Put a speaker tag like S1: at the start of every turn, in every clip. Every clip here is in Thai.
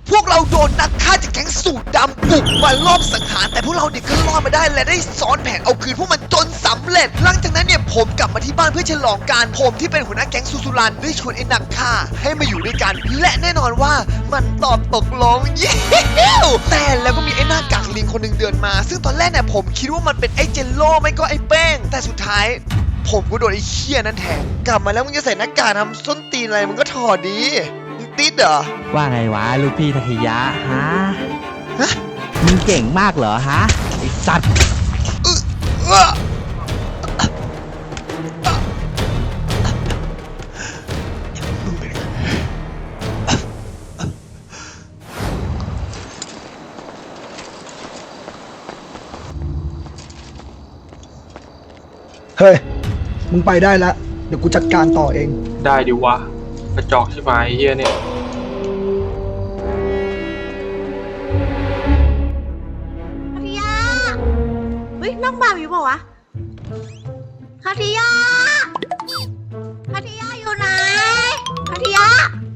S1: พวกเราโดนนักฆ่าจากแก๊งสูตรดำบุกมาลอบสังหารแต่พวกเราเนี่ยก็รอดมาได้และได้ซ้อนแผนเอาคืนพวกมันจนสำเร็จหลังจากนั้นเนี่ยผมกลับมาที่บ้านเพื่อฉลองการผมที่เป็นหัวหน้าแก๊งซูซูรันได้ชวนไอ้นักฆ่าให้มาอยู่ด้วยกันและแน่นอนว่ามันตอบตกลงเย้แต่แล้วก็มีไอ้หน้ากากลิงคนหนึ่งเดินมาซึ่งตอนแรกเนี่ยผมคิดว่ามันเป็นไอ้เจลโล่ไม่ก็ไอ้แป้งแต่สุดท้ายผมก็โดนไอ้เหี้ยนั้นแทงกลับมาแล้วมึงจะใส่หน้ากากทำส้นตีนอะไรมึงก็ถอดดีมึงติดเหรอ
S2: ว่าไงวะลูกพี่ทักษิยะฮะ
S1: ฮะ
S2: มึงเก่งมากเหรอฮะไอสัตว์
S3: เฮ้ย มึงไปได้แล้ว เดี๋ยวกูจัดการต่อเอง
S4: ได้ดิวะกระจอกใช่ไหมเฮียเนี่ย
S5: คาทิยาเฮ้ยน้องบ่าวอยู่เปล่าวะคาทิยาคาทิยาอยู่ไหนคาทิยา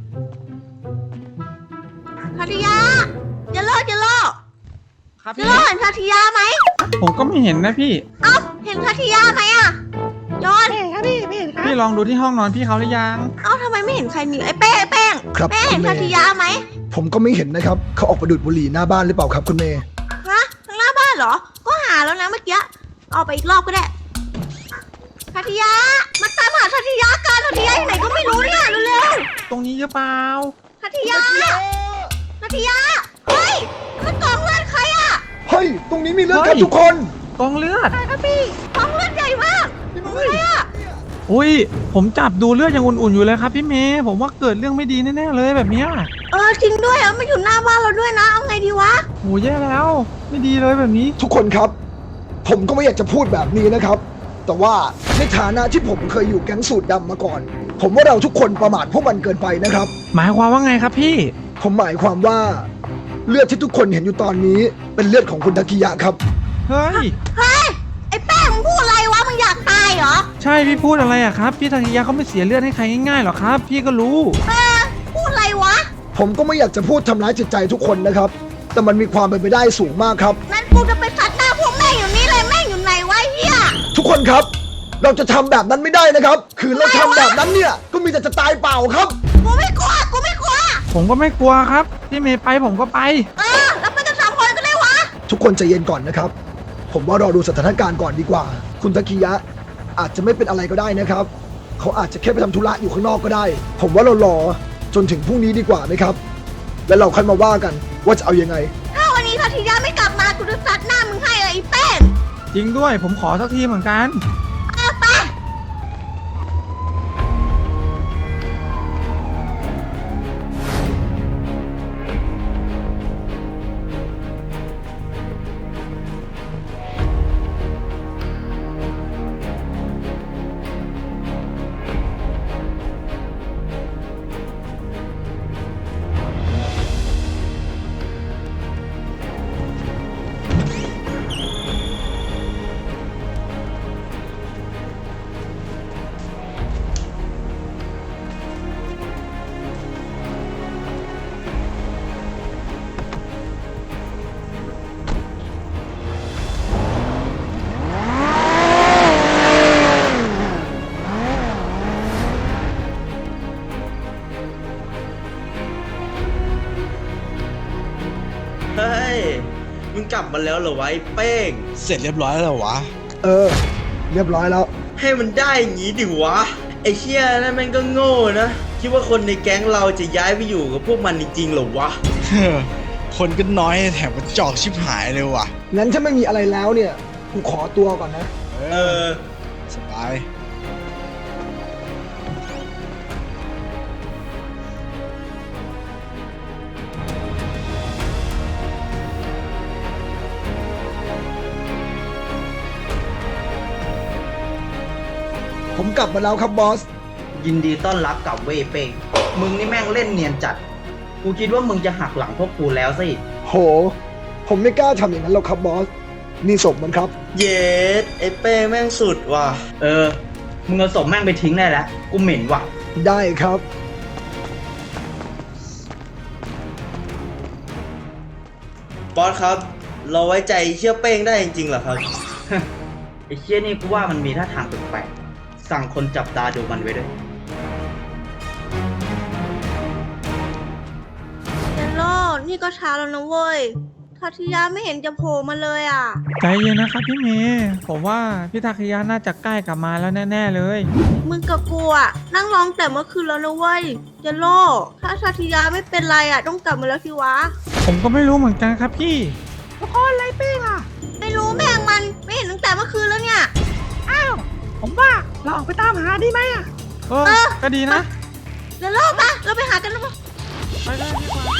S5: คาทิยาเจะโลด
S2: ครับ
S5: เจะ
S2: พี่
S5: โลดเห็นคาทิยาไหม
S6: ผมก็ไม่เห็นนะพี่
S5: เอ้าเห็นคาทิยาไหมอะจอน
S6: พี่ลองดูที่ห้องนอนพี่เขาหรือยัง
S5: เอ้าทำไมไม่เห็นใครมีไอ้แป้ง
S3: ครับ
S5: แป้งเห็น
S3: คุณเมย์
S5: คาทิยาไหม
S3: ผมก็ไม่เห็นนะครับ เขาออกไปดูดบุหรี่หน้าบ้านหรือเปล่าครับคุณเมย์
S5: ฮะข้างหน้าบ้านเหรอก็หาแล้วนะเมื่อกี้เอาไปอีกรอบก็ได้คาทิยามาตามหาคาทิยากันคาทิยาอยู่ไหนก็ไม่รู้เนี่ยเร็ว
S6: ตรงนี้หรือเปล่า
S5: ๆคาทิยาคาทิยาเฮ้ยมันกองเลือดใครอะ
S3: เฮ้ย ตรงนี้มีเรื่องครับ
S6: เฮ้ย
S3: ทุกคน
S6: กองเลือด
S5: ใครครับพี่กองเลือดใหญ่มากของใครอะ
S6: อุ้ยผมจับดูเลือดยังอุ่นๆอยู่เลยครับพี่เมย์ผมว่าเกิดเรื่องไม่ดีแน่ๆเลยแบบเนี้ย
S5: จริงด้วยมันอยู่หน้าบ้านเราด้วยนะเอาไงดีวะ
S6: โหแย่แล้ว ไม่ดีเลยแบบนี้
S3: ทุกคนครับ ผมก็ไม่อยากจะพูดแบบนี้นะครับ แต่ว่าในฐานะที่ผมเคยอยู่แก๊งสูตรดำมาก่อน ผมว่าเราทุกคนประมาทพวกมันเกินไปนะครับ
S6: หมายความว่าไงครับพี่
S3: ผมหมายความว่าเลือดที่ทุกคนเห็นอยู่ตอนนี้ เป็นเลือดของคุณทักษิยะครับ
S6: เฮ้ย
S5: เฮ้ยไอ้แป้งมึงพูดอะไรวะมึงอยากตายเหรอ
S6: ใช่พี่พูดอะไรอะครับพี่ทักษิยะเขาไม่เสียเลือดให้ใครง่ายๆหรอกครับ พี่ก็รู้
S5: พูดอะไรวะ
S3: ผมก็ไม่อยากจะพูดทำร้ายจิตใจทุกคนนะครับ แต่มันมีความเป็นไปได้สูงมากครับ
S5: นั่นกูจะไปซัดหน้าพวกแม่งอยู่นี่เลยแม่งอยู่ไหนวะไอ้เฮีย
S3: ทุกคนครับ เราจะทำแบบนั้นไม่ได้นะครับ คือเราทำแบบนั้นเนี่ย ก็มีแต่จะตายเปล่าครับ
S5: กูไม่กลัว
S6: ผมก็ไม่กลัวครับพี่เมย์ไปผมก็ไป
S5: แล้วไปกัน3 คนก็ได้วะ
S3: ทุกคนใจเย็นก่อนนะครับ ผมว่ารอดูสถานการณ์ก่อนดีกว่า คุณทักษิยะอาจจะไม่เป็นอะไรก็ได้นะครับ เขาอาจจะแค่ไปทำธุระอยู่ข้างนอกก็ได้ ผมว่าเรารอจนถึงพรุ่งนี้ดีกว่าไหมครับ แล้วเราค่อยมาว่ากันว่าจะเอายังไง
S5: ถ้าวันนี้ทัทยาไม่กลับมากูจะซัดหน้ามึงให้เลยไอ้แป้ง
S6: จริงด้วยผมขอสักทีเหมือนกัน
S5: ไป
S7: เฮ้ย มึงกลับมาแล้วเหรอวะไอ้เป้ง
S2: เสร็จเรียบร้อยแล้วเหรอวะ
S3: เออ เรียบร้อยแล้ว
S7: ให้มันได้อย่างงี้ดิวะ ไอ้เชี่ยนั่นมันก็โง่นะ คิดว่าคนในแก๊งเราจะย้ายไปอยู่กับพวกมันจริงๆเหรอวะ
S2: คนก็น้อยแถมมันจอกชิบหายเลยว่ะ
S3: งั้นถ้าไม่มีอะไรแล้วเนี่ยกูขอตัวก่อนนะ
S7: เออ
S2: สบาย
S3: ผมกลับมาแล้วครับบอส
S7: ยินดีต้อนรับกลับเว้ยเป้ง มึงนี่แม่งเล่นเนียนจัด กูคิดว่ามึงจะหักหลังพวกกูแล้วสิ
S3: โห ผมไม่กล้าทำอย่างนั้นหรอกครับบอส นี่ศพมันครับ
S7: เย็ดไอ้เป้งแม่งสุดว่ะ เออ มึงเอาศพแม่งไปทิ้งได้แล้ว กูเหม็นว่ะ
S3: ได้ครับ
S7: บอสครับ เราไว้ใจเชี่ยเป้งได้จริงๆเหรอครับ
S8: ไอ้เชี่ยนี่กูว่ามันมีท่าทางแปลกๆสั่งคนจับตาดูมันไว้ด้วย
S5: เยลโล่นี่ก็ช้าแล้วนะเว้ยคาทิยาไม่เห็นจะโผล่มาเลยอ่ะ
S6: ใจเย็นนะครับพี่เมย์ผมว่าพี่ทาคิยะน่าจะใกล้กลับมาแล้วแน่ๆเลย
S5: มึงกับกูอ่ะนั่งร้องแต่เมื่อคืนแล้วนะเว้ยเยลโล่ถ้าคาทิยาไม่เป็นไรอ่ะต้องกลับมาแล้วสิวะ
S6: ผมก็ไม่รู้เหมือนกันครับพี่
S5: ไม่รู้แม่งมันไม่เห็นตั้งแต่เมื่อคืนแล้วเนี่ย
S6: ผมว่าเราออกไปตามหาดีไหมอ่ะก็ดีนะ
S5: เยลโล่ปะเราไปหากันแล้วปะ
S6: ไปเลยดีกว่า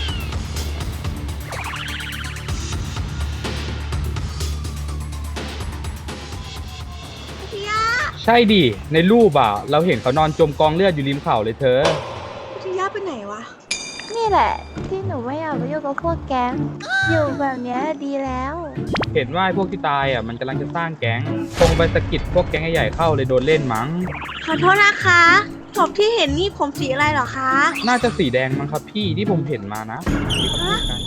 S5: คาทิยา
S9: ใช่ดิ ในรูปอ่ะ เราเห็นเขานอนจมกองเลือดอยู่ริมเขาเลยเธอ
S5: คาทิยาไปไหนวะ
S10: นี่แหละ ที่หนูไม่อยากไปยุ่งกับพวกแก๊ง อยู่แบบเนี้ยดีแล้ว
S9: เห็นว่าไอ้พวกที่ตายอ่ะมันกำลังจะสร้างแก๊งคงไปสะกิดพวกแก๊งใหญ่ๆเข้าเลยโดนเล่นมั้ง
S5: ขอโทษนะคะศพที่เห็นนี่ผมสีอะไรเหรอคะ
S9: น่าจะสีแดงมั้งครับพี่ที่ผมเห็นมานะที่เขาพูดกัน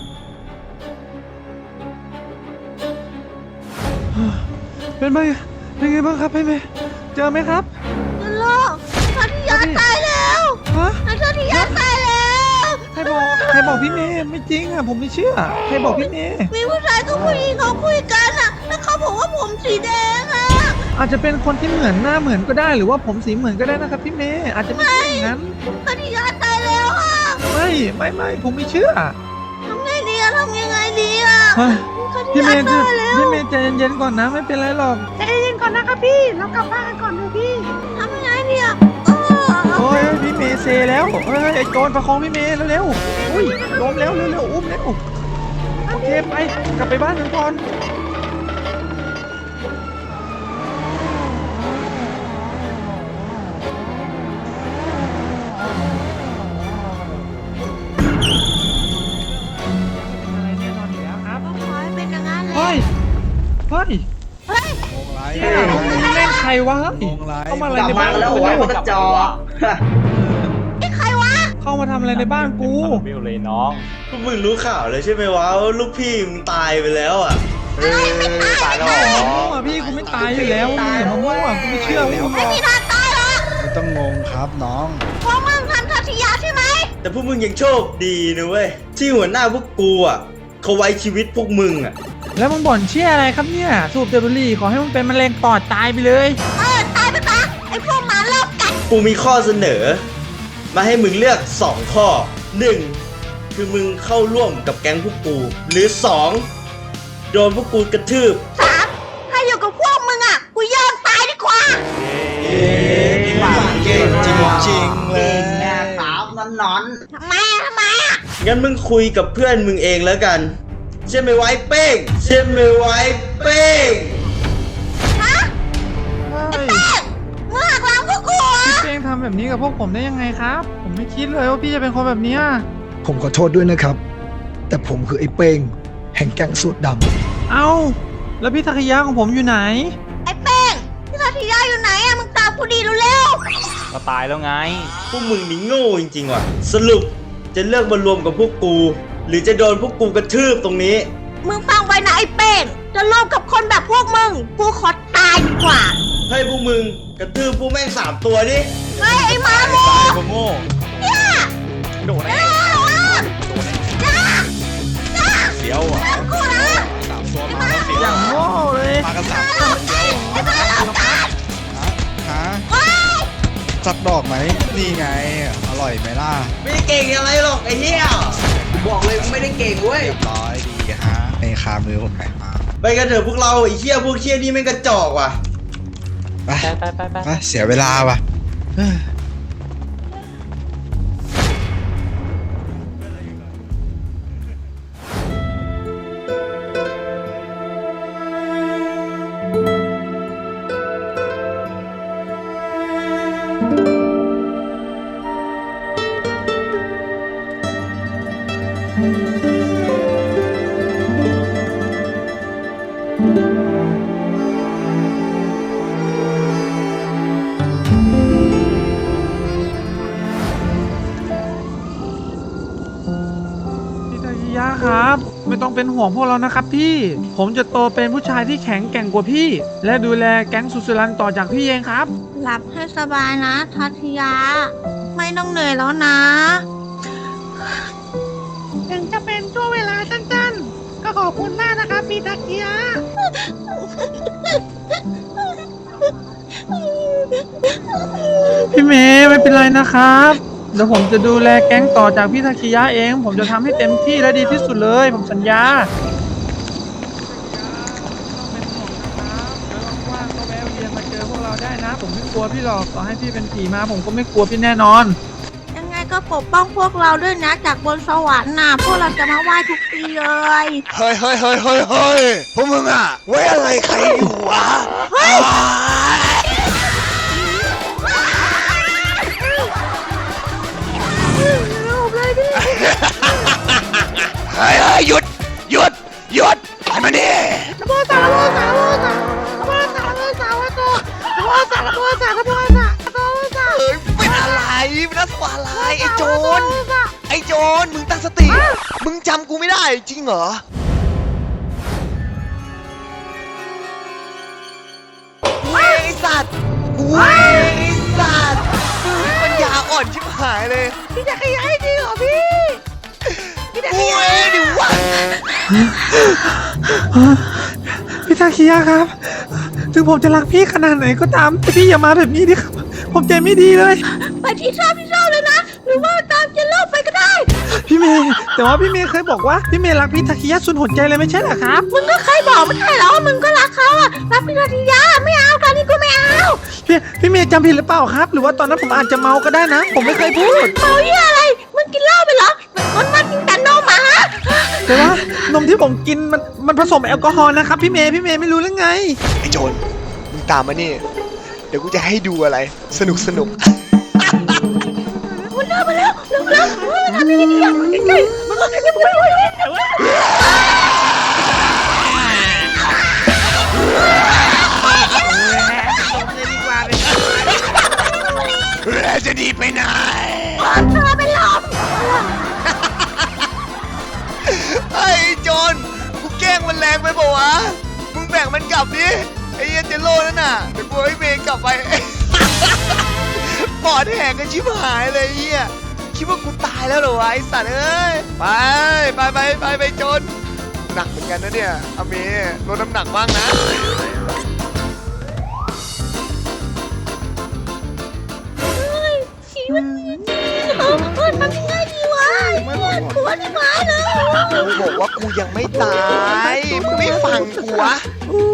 S6: เป็นไงบ้างครับพี่เมย์เจอไหมครับ
S5: เยลโล่คาทิยาตายแล้ว
S6: ฮะ
S5: คาทิยาตายแล้ว
S6: ใครบอกพี่เมย์ไม่จริงอ่ะผมไม่เชื่อใครบอกพี่เมย์
S5: มีผู้ชายกับผู้หญิงเขาคุยกันอะแล้วเขาบอกว่าผมสีแดงอะ
S6: อาจจะเป็นคนที่เหมือนหน้าเหมือนก็ได้หรือว่าผมสีเหมือนก็ได้นะครับพี่เมย์อาจจะไม่ใช่อย่างนั้น
S5: คาทิยาตายแล้วอะ
S6: ไม่ผมไม่เชื่อ
S5: ทำไงดีอะทำยังไงดีอะ
S6: เฮ้ย
S5: คาทิ
S6: พี่เม
S5: ยา
S6: ย์
S5: ตายแล้ว
S6: พี่เมย์ใจเย็นๆก่อนนะไม่เป็นไรหรอก
S5: ใจเย็นก่อนนะครับพี่เรากลับบ้านกันก่อนเถอะพี่ทำยังไงดีอะ
S6: โอ้ยพี่เมย์เซแล้วเฮ้ยไอ้โจรประคองพี่เมย์เร็วๆอุ้ยล้มแล้วเร็วๆอุ้มแล้วโอเคไปกลับไปบ้านกันก่อน อะไรแน่นอนอยู่แล้วครับ
S5: ก็ขอให้เป็นอย่างนั้นแหละ
S6: เฮ้ย
S5: เฮ้ย
S2: งงไร
S6: มึงเล่นใครวะ
S2: งงไร
S6: เข้ามาอะไร
S8: กลับ
S6: ใน
S8: มา
S6: บ้าน
S8: แล้ว
S6: กู
S8: ไว้
S6: เนี่ย
S8: มันกระจอก
S5: นี่ใครวะ
S6: เข้ามาทำอะไรในบ้านกู
S9: วิวเลยน้อง
S7: พวกมึงรู้ข่าวเลยใช่ไหมวะว่าลูกพี่มึงตายไปแล้วอ่ะ
S9: ตายแล้วเหรอ
S6: มั่วพี่กูไม่ตายอยู่แล้วมึงอย่ามามั่วกูไม่เชื่อมึงหรอก
S5: ไม่มีทางตายหรอก
S2: ไม่ต้องงงครับน้อง
S5: เพราะมึงทำคาทิยาใช่ไหม
S7: แต่พวกมึงยังโชคดีนะเว้ยที่หัวหน้าพวกกูอ่ะเขาไว้ชีวิตพวกมึงอ่ะ
S6: แล้วมึงบ่นเชี่ยอะไรครับเนี่ยสูบเดบุหรี่ขอให้มึงเป็นมะเร็งปอดตายไปเลย
S5: ตายไปซะไอ้พวกหมาลอบกัด
S7: กูมีข้อเสนอ มาให้มึงเลือก 2 ข้อ 1. คือมึงเข้าร่วมกับแก๊งพวกกู หรือ 2. โดนพวกกูกระทืบ
S5: 3ถ้าอยู่กับพวกมึงอ่ะ กูยอมตายดีกว่า
S2: เก่งจริงๆเลย
S8: แง่ขาวนอน
S5: ทำไมอ่ะ
S7: งั้นมึงคุยกับเพื่อนมึงเองแล้วกัน ใช่ไหมไว้เป้ง ใช่ไหมไว้เป้ง
S5: ฮะ
S6: เฮ้ย
S5: มึงหักหลังพวกกูเหรอ
S6: พี่เป้งทำแบบนี้กับพวกผมได้ยังไงครับ ผมไม่คิดเลยว่าพี่จะเป็นคนแบบเนี้ย
S3: ผมขอโทษด้วยนะครับ แต่ผมคือไอ้เป้งแห่งแก๊งสูตรดำ
S6: เอ้าแล้วพี่ทาคิยะของผมอยู่ไหน
S5: ไอ้เป้งพี่คาทิยาอยู่ไหนอ่ะ มึงตามกูดีเร็ว
S9: ก็ตายแล้วไง
S7: พวกมึงนี่โง่จริงๆว่ะ สรุปจะเลือกมารวมกับพวกกู หรือจะโดนพวกกูกระทืบตรงนี้
S5: ๆมึงฟังไว้นะไอ้เป้งจะร่วมกับคนแบบพวกมึง กูขอตายดีกว่า
S7: ให้พวกมึงกระทืบพวกแม่ง3 ตัวดิ
S5: เฮ้ยไอ้หมาโม
S2: ตายผมโง่
S5: เนี่ย
S9: โดนแน่
S2: เสียวเหรอ
S5: กูนะ
S2: สามตัวมาแล้วเสียว
S6: อย่างโง่เลย
S2: มากัน3 ตัวเสียวฮะสักดอกไหมนี่ไง อร่อยไหมล่ะ
S7: ไม่ได้เก่งอะไรหรอกไอ้เหี้ย
S8: ๆบอกเลยกูไม่ได้เก่งเว้ย
S2: เรียบร้อยดีฮะในคามือผมไปมา
S7: ไปกันเถอะพวกเราไอ้เหี้ยพวกเหี้ยนี่แม่งกระจอกว่ะ
S2: ไป
S9: ไป
S2: ไปเสียเวลาว่ะเฮ้ย
S6: ยะครับ ไม่ต้องเป็นห่วงพวกเรานะครับพี่ ผมจะโตเป็นผู้ชายที่แข็งแกร่งกว่าพี่ และดูแลแก๊งสุสรันต่อจากพี่เองครับ
S5: หลับให้สบายนะทัตยา ไม่ต้องเหนื่อยแล้วนะ
S10: ถึงจะเป็นช่วงเวลาสั้นๆ ก็ขอบคุณมากนะครับพี่ทักเกียะ
S6: พี่เมย์ไม่เป็นไรนะครับเดี๋ยวผมจะดูแลแก๊งต่อจากพี่ทาคิยะเอง ผมจะทำให้เต็มที่และดีที่สุดเลย ผมสัญญาว่างๆก็แวะเวียนมาเจอพวกเราได้นะ ผมไม่กลัวพี่หรอกต่อให้พี่เป็นผีมาผมก็ไม่กลัวพี่แน่นอน
S5: ยังไงก็ปกป้องพวกเราด้วยนะ จากบนสวรรค์น่ะพวกเราจะมาไหว้ทุกปีเลย
S1: เฮ้ยพวกมึงอะไว้อะไรใครอยู่วะ เฮ้ยหยุดให้มันดิเป็นอะไรเป็นนักสวาอะไรไอ้โจรมึงตั้งสติ มึงจำกูไม่ได้จริงเหรอเว้ยไอ้สัตว์ปัญญาอ่อนชิบหายเลย
S5: พี่จะขยายจริงเหรอพี่จะขยาย
S1: ดิวะ
S6: พี่ทาคิยะครับ ถึงผมจะรักพี่ขนาดไหนก็ตามแต่พี่อย่ามาแบบนี้ดิครับ ผมใจไม่ดีเลย
S5: ไปที่ชอบเลยนะ หรือว่าตามเจนโลกไปก็ได้
S6: พี่เมย์แต่ว่าพี่เมย์เคยบอกว่าพี่เมย์รักพี่ทาคิยะสุดหัวใจเลยไม่ใช่เหรอครับ
S5: มึงก็เคยบอกไม่ใช่เหรอว่ามึงก็รักเขาอะรักพี่ทัตยาไม่เอาตอนนี้กูไม่เอา
S6: พี่เมย์จำผิดหรือเปล่าครับ หรือว่าตอนนั้นผมอาจจะเมาก็ได้นะ ผมไม่เคยพูด
S5: เมาเหี้ยอะไร มึงกินเหล้าไปเหรอมันกินแต่นมหมา
S6: แต่ว่านมที่ผมกินมันผสมแอลกอฮอล์นะครับพี่เมย์ไม่รู้เรื่องไง
S1: ไอ้โจรมึงตามมานี่ เดี๋ยวกูจะให้ดูอะไร สนุก
S5: มันเดินมาแล้วเร็วทำยังไงดีอะใกล้ๆมันใกล้ๆ
S1: จะดีไปไหน
S5: เธอเป็นลม
S1: ไอ้โจรกูแกล้งมันแรงไปเปล่าวะ มึงแบ่งมันกลับดิ ไอ้เหี้ยเจโร่นั่นน่ะเดี๋ยวกูให้เมย์กลับไป ปอดแหกกันชิบหายเลยไอ้เหี้ยคิดว่ากูตายแล้วเหรอวะไอ้สัตว์เอ้ย ไปโจรหนักเหมือนกันนะเนี่ยอเมย์ลดน้ำหนักบ้างนะ
S5: ชีวิตจริงทำยังไงดีวะกลัวที่หมาเลย
S1: กูบอกว่ากูยังไม่ตาย มึงไม่ฟังกูวะ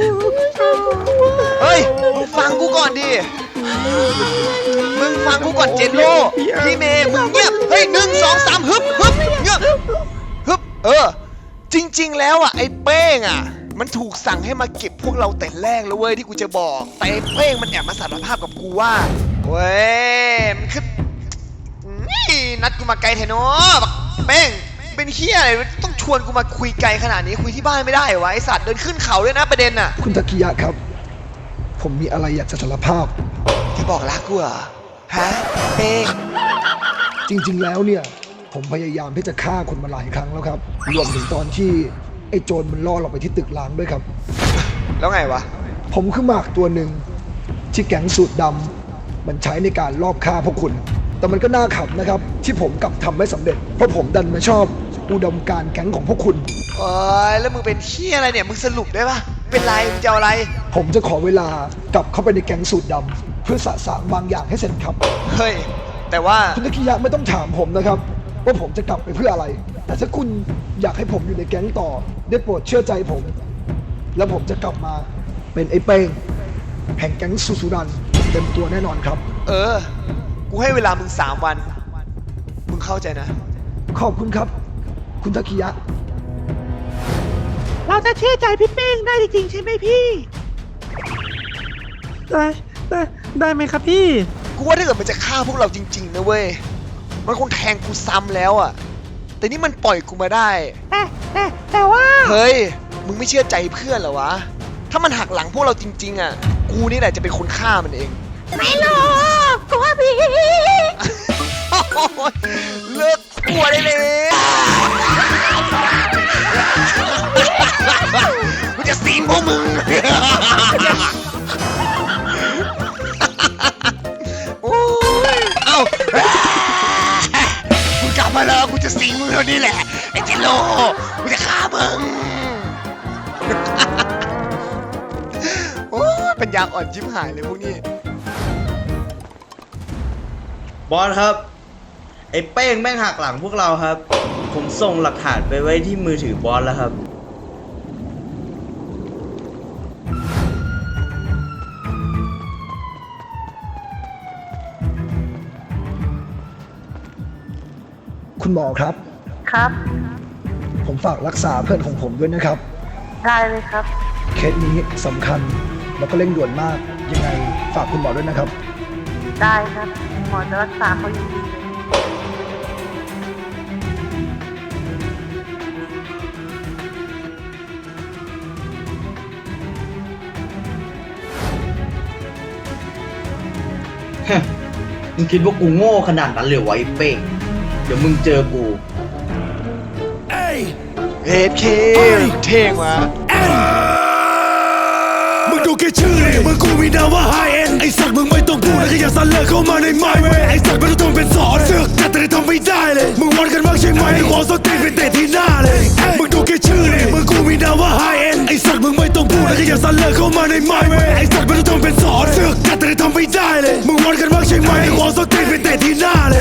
S1: เฮ้ย มึงฟังกูก่อนดิ มึงฟังกูก่อนเจนโลพี่เมย์มึงเงียบ เฮ้ย1 2 3ฮึบเงียบฮึบจริงๆแล้วอ่ะไอ้เป้งอ่ะ มันถูกสั่งให้มาเก็บพวกเราแต่แรกแล้วเว้ยที่กูจะบอก แต่ไอ้เป้งมันแอบมาสารภาพกับกูว่าเว้ยมันคือนัดกูมาไกลแทนอบักเป้งเป็นเฮียอะไรต้องชวนกูมาคุยไกลขนาดนี้คุยที่บ้านไม่ได้เหรอวะไอสัตว์เดินขึ้นเขาด้วยนะประเด็นน่ะ
S3: คุณตะกิยะครับ ผมมีอะไรอยากจะสารภาพ
S1: จะบอกรักกูเหรอฮะเป้ง
S3: จริงๆ แล้วเนี่ย ผมพยายามที่จะฆ่าคนมาหลายครั้งแล้วครับ รวมถึงตอนที่ไอ้โจรมันล่อเราไปที่ตึกล้างด้วยครับ
S1: แล้วไงวะ
S3: ผมคือหมากตัวหนึ่งที่แก๊งสูตรดำมันใช้ในการลอบฆ่าพวกคุณ แต่มันก็น่าขำนะครับ ที่ผมกลับทำไม่สำเร็จ เพราะผมดันมาชอบอุดมการณ์แก๊งของพวกคุณ
S1: โอ้ยแล้วมึงเป็นเฮียอะไรเนี่ยมึงสรุปได้ปะเป็นไรมึงจะเอาอะไร
S3: ผมจะขอเวลากลับเข้าไปในแก๊งสูตรดำเพื่อสะสางบางอย่างให้เสร็จครับ
S1: เฮ้ยแต่ว่า
S3: คุณตะกิยะไม่ต้องถามผมนะครับ ว่าผมจะกลับไปเพื่ออะไร แต่ถ้าคุณอยากให้ผมอยู่ในแก๊งต่อได้โปรดเชื่อใจผม แล้วผมจะกลับมาเป็นไอ้เป้งแห่งแก๊งสุสุรันเต็มตัวแน่นอนครับ
S1: กูให้เวลามึง3 วันมึงเข้าใจนะ
S3: ขอบคุณครับ คุณตะกิยะ
S10: เราจะเชื่อใจพี่เป้งได้จริงๆใช่ไหมพี่
S6: ได้ไหมครับพี่
S1: กูว่าถ้าเกิดมันจะฆ่าพวกเราจริงๆนะเว้ยมันคงแทงกูซ้ำแล้วอ่ะแต่นี่มันปล่อยกูมาได้
S10: แต่ว่า
S1: เฮ้ยมึงไม่เชื่อใจเพื่อนเหรอวะถ้ามันหักหลังพวกเราจริงๆอ่ะกูนี่แหละจะเป็นคนฆ่ามันเอง
S5: ไม่รู้กลัวพี่
S1: เลิกกลัวได้เลยนี่แหละไอ้เจโลกูจะฆ่ามึง โอ้ยปัญญาอ่อนชิบหายเลยพวกนี้
S7: บอสครับ ไอ้เป้งแม่งหักหลังพวกเราครับ ผมส่งหลักฐานไปไว้ที่มือถือบอสแล้วครับ
S3: คุณหมอครับ
S10: ครับ
S3: ผมฝากรักษาเพื่อนของผมด้วยนะครับ
S10: ได้เลยครับ
S3: เคสนี้สำคัญแล้วก็เร่งด่วนมาก ยังไงฝากคุณหมอด้วยนะครับ
S10: ได้ครับ หมอจะรักษาเขาอยู่ดีเลย
S8: มึงคิดว่ากูโง่ขนาดนั้นเลยไวะไอ้เป้ง เดี๋ยวมึงเจอกู
S1: เฮดเคเท่งว่ะ
S11: มึงดูแค่ชื่อเลยมึงกูมีนามว่าไฮเอ็นไอสัตว์มึงไม่ต้องพูดแล้วก็อย่าสั่นเลิกเข้ามาในไมค์เว้ยไอสัตว์ไม่ต้องเป็นสอนเสือกแต่ได้ทำไม่ได้เลยมึงวันกันมากใช่ไหมขอสตีเป็นเตะที่หน้าเลยมึงดูแค่ชื่อเลยมึงกูมีนามว่าไฮเอ็นไอสัตว์มึงไม่ต้องพูดแล้วก็อย่าสั่นเลิกเข้ามาในไมค์เว้ยไอสัตว์ไม่ต้องเป็นสอนเสือกแต่ได้ทำไม่ได้เลยมึงวันกันมากใช่ไหมขอสตีเป็นเตะที่หน้าเลย